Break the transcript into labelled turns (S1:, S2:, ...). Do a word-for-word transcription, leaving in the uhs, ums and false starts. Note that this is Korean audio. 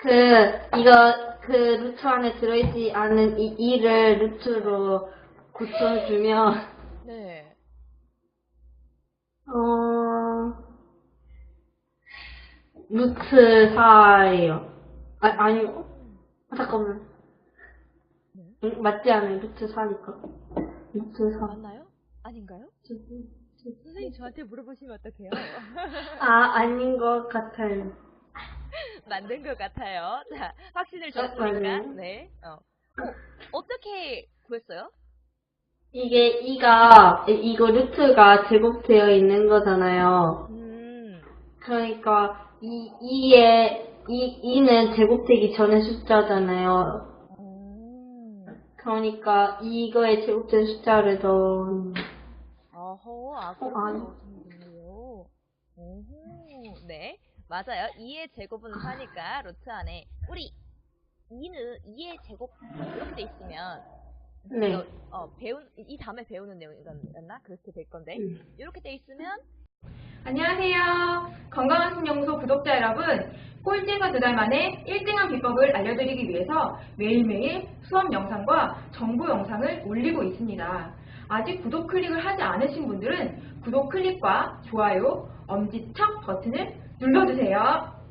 S1: 그, 이거, 그 루트 안에 들어있지 않은 이 이를 루트로 고쳐주면,
S2: 네.
S1: 어, 루트 사예요. 아, 아니, 어,
S2: 음.
S1: 잠깐만.
S2: 네.
S1: 응, 맞지 않아요? 루트 사니까. 루트 사.
S2: 맞나요? 아닌가요? 선생님 저한테 물어보시면 어떡해요?
S1: 아, 아닌 것 같아요.
S2: 만든 것 같아요. 자, 확신을
S1: 어,
S2: 줬으니까.
S1: 맞아요.
S2: 네. 어. 어, 어떻게 구했어요?
S1: 이게 이가, 이- 이거 루트가 제곱되어 있는 거잖아요.
S2: 음.
S1: 그러니까 이 이에 이 이는 제곱되기 전의 숫자잖아요.
S2: 어.
S1: 그러니까 이거에 제곱된 숫자를 더
S2: 어허, 아,
S1: 어,
S2: 그렇게
S1: 아니.
S2: 넣으시면 되네요. 오호, 네. 맞아요. 이의 제곱은 사니까 루트 안에 우리 이는 이의 제곱 뭐 이렇게 돼 있으면 이거
S1: 네.
S2: 어 배운 이 다음에 배우는 내용이었나? 그렇게 될 건데
S1: 음.
S2: 이렇게 돼 있으면
S3: 안녕하세요. 건강한 신영소 구독자 여러분. 꼴찌에서 두 달 만에 일 등한 비법을 알려드리기 위해서 매일매일 수업 영상과 정보 영상을 올리고 있습니다. 아직 구독 클릭을 하지 않으신 분들은 구독 클릭과 좋아요, 엄지척 버튼을 눌러주세요.